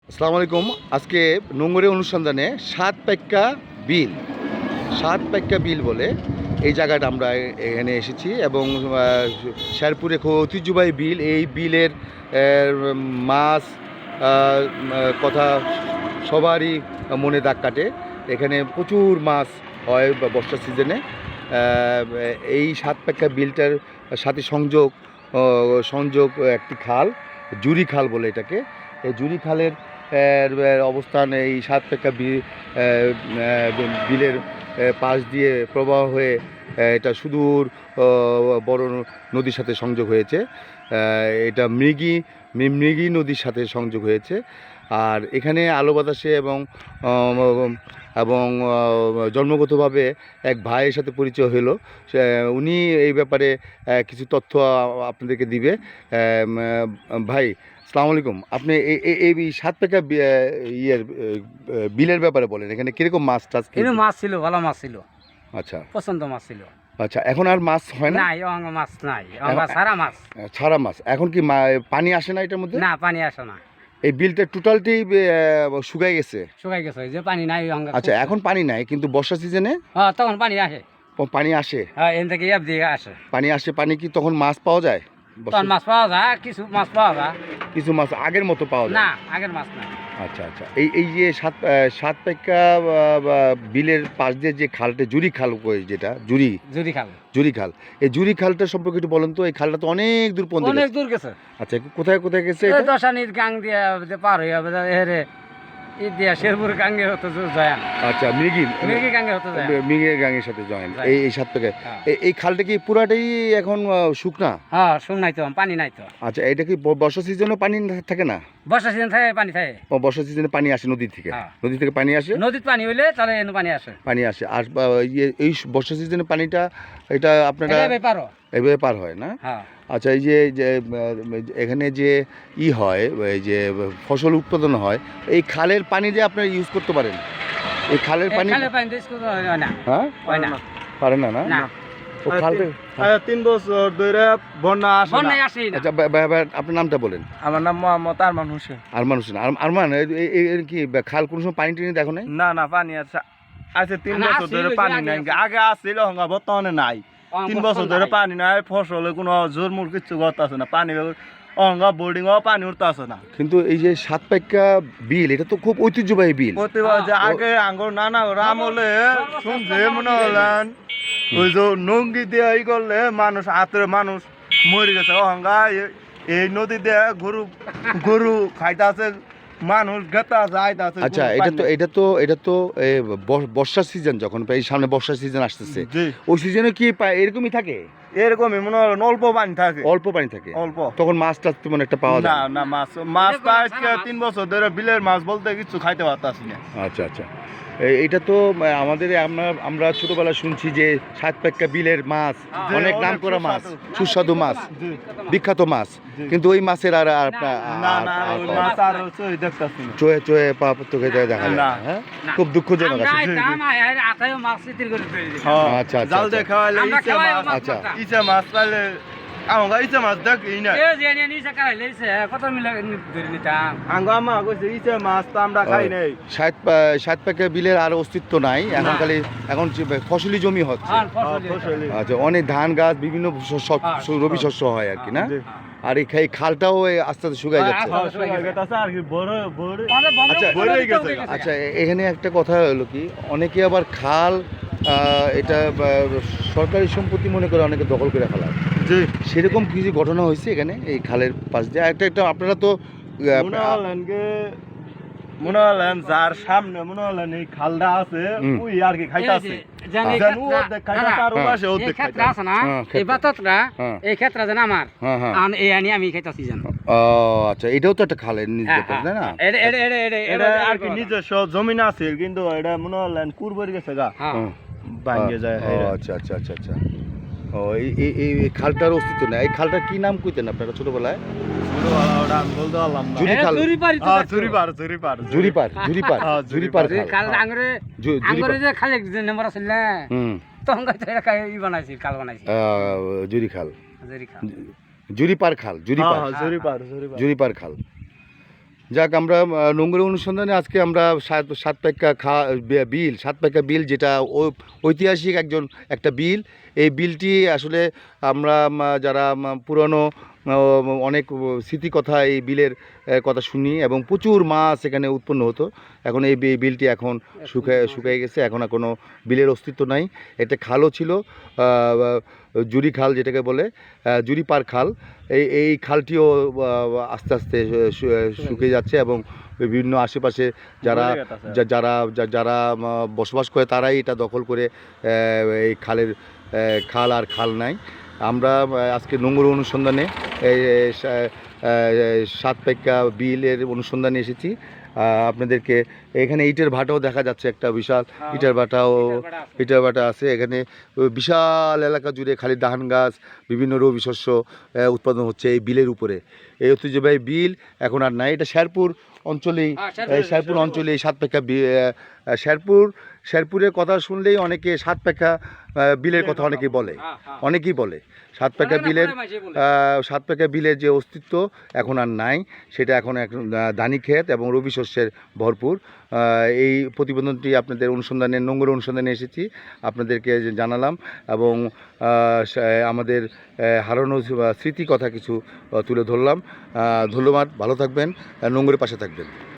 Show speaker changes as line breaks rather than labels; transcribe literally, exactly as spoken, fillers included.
আসসালামু আলাইকুম। আজকে নোংরে অনুসন্ধানে সাত পাইক্কা বিল সাত পাইক্কা বিল বলে এই জায়গাটা আমরা এখানে এসেছি এবং শেরপুরে খুব ঐতিহ্যবাহী বিল। এই বিলের মাছ কথা সবারই মনে দাগ কাটে। এখানে প্রচুর মাছ হয় বর্ষার সিজনে। এই সাত পাইক্কা বিলটার সাথে সংযোগ সংযোগ একটি খাল, জুরি খাল বলে এটাকে। এই জুরি খালের অবস্থান এই সাত পাইক্কা বিলের পাশ দিয়ে প্রবাহ হয়ে এটা সুদূর বড় নদীর সাথে সংযোগ হয়েছে। এটা মৃগী মৃগী নদীর সাথে সংযোগ হয়েছে। আর এখানে আলো বাতাসে এবং এবং জন্মগতভাবে এক ভাইয়ের সাথে পরিচয় হলো। উনি এই ব্যাপারে কিছু তথ্য আপনাদেরকে দিবে। ভাই, আসসালামু আলাইকুম। আপনি এই সাত পাইক্কা ইয়ের বিলের ব্যাপারে বলেন, এখানে কিরকম মাছ টাছ?
মাছ ছিল, ভালো মাছ ছিল।
আচ্ছা,
পছন্দ মাছ ছিল।
আচ্ছা, এখন আর মাছ হয় না?
নাই, মাছ নাই, ছাড়া মাছ।
ছাড়া মাছ। এখন কি পানি আসে না এটার মধ্যে?
না, পানি আসে না।
এই বিলটা টোটালটি শুকাই গেছে?
শুকাই গেছে, যে পানি নাই।
আচ্ছা, এখন পানি নাই, কিন্তু বর্ষা সিজনে
তখন পানি আসে।
পানি আসে,
এখান থেকে এপ দিয়ে আসে
পানি আসে। পানি কি তখন মাছ পাওয়া যায়?
মাছ পাওয়া যায়, কিছু মাছ পাওয়া যায়,
কিছু মাছ আগের মতো পাওয়া যায়
না, আগের মাছ না।
আচ্ছা আচ্ছা। এই এই যে সাত সাত পাইক্কা বিলের পাশ দিয়ে যে খালটা, জুরি খাল, যেটা জুরি
জুরি খাল
জুরি খাল এই জুরি খালটা সম্পর্কে একটু বলেন তো। এই খালটা তো অনেক দূর পর্যন্ত,
অনেক দূর গেছে।
আচ্ছা, কোথায় কোথায় গেছে?
দশানির গাং দিয়ে পার হয়ে যাবে, দিয়া শেরপুর গাঙ্গে হতো জয়েন।
আচ্ছা, মৃগী
মৃগী গাঙ্গে হতো জয়েন,
মৃগী গাঙ্গের সাথে জয়েন। এই এই সাত পাইক্কা এই খালটা কি পুরাটাই এখন শুকনা?
হ্যাঁ, শুক নাই তো, পানি নাই তো।
আচ্ছা, এটা কি বর্ষা সিজনে পানি থাকে না?
বর্ষা সিজন থাকে, পানি থাকে।
ও, বর্ষা সিজনে পানি আসে নদী থেকে? নদী থেকে পানি আসে,
নদীর পানি হইলে তাহলে এনে পানি আসে, পানি
আসে। আর এই বর্ষা সিজনে পানিটা এটা আপনারা এভাবে পার হয় না? আচ্ছা, এই যে এখানে যে ই হয়, এই যে ফসল উৎপাদন হয়, এই খালের পানি যে আপনারা ইউজ করতে পারেন? এই খালের পানি হ্যাঁ পারে না? না,
তিন বছর ধরে বন্যা আসে।
আচ্ছা, আপনার নামটা বলেন।
আমার নাম মোহাম্মদ আরমান হোসেন।
আরমান হোসেন। আরমান, কি খাল কোনো সময় পানি টানি দেখো নাই?
না না, পানি আছে, আছে তিন বছর ধরে পানি নাই। আগে আসছিল, বর্তমানে নাই। তিন বছর ধরে পানি নাই, ফসলে কোনো জোরমুর কিছু করতে আছে না, পানি অঙ্গা বোর্ডিং পানি উঠতে আছে না।
কিন্তু এই যে সাত পাইক্কা বিল, এটা তো খুব ঐতিহ্যবাহী বিল।
আগে আঙ্গুর নানা রাম হলে শুনছে মনে হলেন ওই যে নঙ্গি দিয়ে ই করলে মানুষ হাতের মানুষ মরে গেছে। অহঙ্গা এই নদী দিয়ে গরু গরু খাইতে আছে, মানুষ গেতে আছে, আইতে আছে।
আচ্ছা, এটা তো এটা তো এটা তো বর্ষার সিজন, যখন এই সামনে বর্ষার সিজন আসতেছে, ওই সিজনে কি এরকমই থাকে?
এরকমই মনে হয়, অল্প পানি থাকে।
অল্প পানি থাকে,
অল্প।
তখন মাছ টাছ তেমন একটা পাওয়া যায়
না? না, মাছ মাছ তিন বছর ধরে বিলের মাছ বলতে কিছু খাইতে পারতাছি না।
আচ্ছা আচ্ছা। এটা তো আমাদের আমরা আমরা ছোটবেলা শুনছি যে সাত পাইক্কা বিলের মাছ অনেক নাম করা মাছ, সুস্বাদু মাছ, বিখ্যাত মাছ, কিন্তু ওই মাছের আর চোয়ে চোয়ে পা চোখে দেখা যায় না। হ্যাঁ, খুব দুঃখজনক।
আচ্ছা আচ্ছা আচ্ছা, ইচা মাছ পাইলে আমগা ইচা মাছ দেখি না,
এ যে এনে নিচে কাই লইছে কত মিলা ধরে নিতাম।
আঙ্গা আমা কইছে ইচা মাছ তো আমরা খাই নাই।
সাত সাত পাইক্কা বিলের আর অস্তিত্ব নাই এখন, খালি এখন ফসলি জমি হচ্ছে। আচ্ছা, অনেক ধান গাছ, বিভিন্ন রবি শস্য হয় আর কি, না? আর এই খালটাও আস্তে আস্তে শুকাই যাচ্ছে। আচ্ছা, এখানে একটা কথা হলো কি, অনেকে আবার খাল এটা সরকারি সম্পত্তি মনে করে অনেকে দখল করে ফেলায়। সেরকম কিছু ঘটনা হয়েছে এখানে এই খালের পাশ দিয়ে? একটা একটা আপনারা তো
মনে হলেন যার সামনে মনে হলেন এই খালটা আছে, ওই আর কি খাইতাছে।
আচ্ছা, এটাও তো একটা খালের
নিজস্ব জমিন আছে, কিন্তু এটা মনে হলেন কুরবারি গেছে গা, ভাঙে যায়।
আচ্ছা আচ্ছা আচ্ছা আচ্ছা। ও, এই খালটার অস্তিত্ব নেই। এই খালটার কি নাম কইতেন আপনারা ছোটবেলায়? জুরিপার খাল, জুরিপার খাল। যাক, আমরা আহ, নোংর অনুসন্ধানে আজকে আমরা সাত সাত পাক্কা খা বে- বিল সাত পাক্কা বিল, যেটা ও- ঐতিহাসিক একজন একটা বিল। এই বিলটি আসলে আমরা উম, যারা উম, পুরনো আহ, অনেক স্মৃতি কথা এই বিলের আহ, কথা শুনি, এবং প্রচুর মাছ এখানে উৎপন্ন হতো। এখন এই বি- বিলটি এখন শুকায় শুকিয়ে গেছে, এখন আর কোনো বিলের অস্তিত্ব নাই। এটা খালও ছিল, আহ, জুরি খাল যেটাকে বলে, আহ, জুরি পার খাল। এই এই খালটিও আহ, আস্তে আস্তে শু- শুকিয়ে যাচ্ছে, এবং বিভিন্ন আশেপাশে যারা যা- যারা যা- যারা আহ, বসবাস করে তারাই এটা দখল করে আহ, এই খালের আহ, খাল আর খাল নাই। আমরা আহ, আজকে নোংর অনুসন্ধানে এই এই সা- আহ, সাত পাক্কা বিলের অনুসন্ধানে এসেছি। আহ, আপনাদেরকে এখানে ইটের ভাটাও দেখা যাচ্ছে, একটা বিশাল ইটের ভাটাও ইটের ভাটা আছে এখানে। ওই বিশাল এলাকা জুড়ে খালি ধান গাছ, বিভিন্ন রবি শস্য আহ, উৎপাদন হচ্ছে এই বিলের উপরে। এই ঐতিহ্যবাহী বিল এখন আর নাই। এটা শেরপুর অঞ্চলেই,
হ্যাঁ,
এই
শেরপুর-
শেরপুর অঞ্চলে এই সাত পাক্কা বি- আহ, শেরপুর শেরপুরের কথা শুনলেই অনেকে সাত পাক্কা আহ, বিলের কথা অনেকেই বলে,
হ্যাঁ, হ্যাঁ।
অনেকেই বলে সাত পাক্কা
অনেক না,
বিলের
প্রায় মাঝে বলে।
আহ, সাত পাক্কা বিলের যে অস্তিত্ব এখন আর নাই, সেটা এখন এক ধানি ক্ষেত এবং রবি শস্যের ভরপুর। আহ, এই প্রতিবেদনটি আপনাদের অনুসন্ধানে নোংর অনুসন্ধানে এসেছি, আপনাদেরকে যে জানালাম, এবং আহ, সা- আমাদের আহ, হারানো স্মৃতি কথা কিছু আহ, তুলে ধরলাম। আহ, ধন্যবাদ, ভালো থাকবেন, নোংরের পাশে থাকবেন।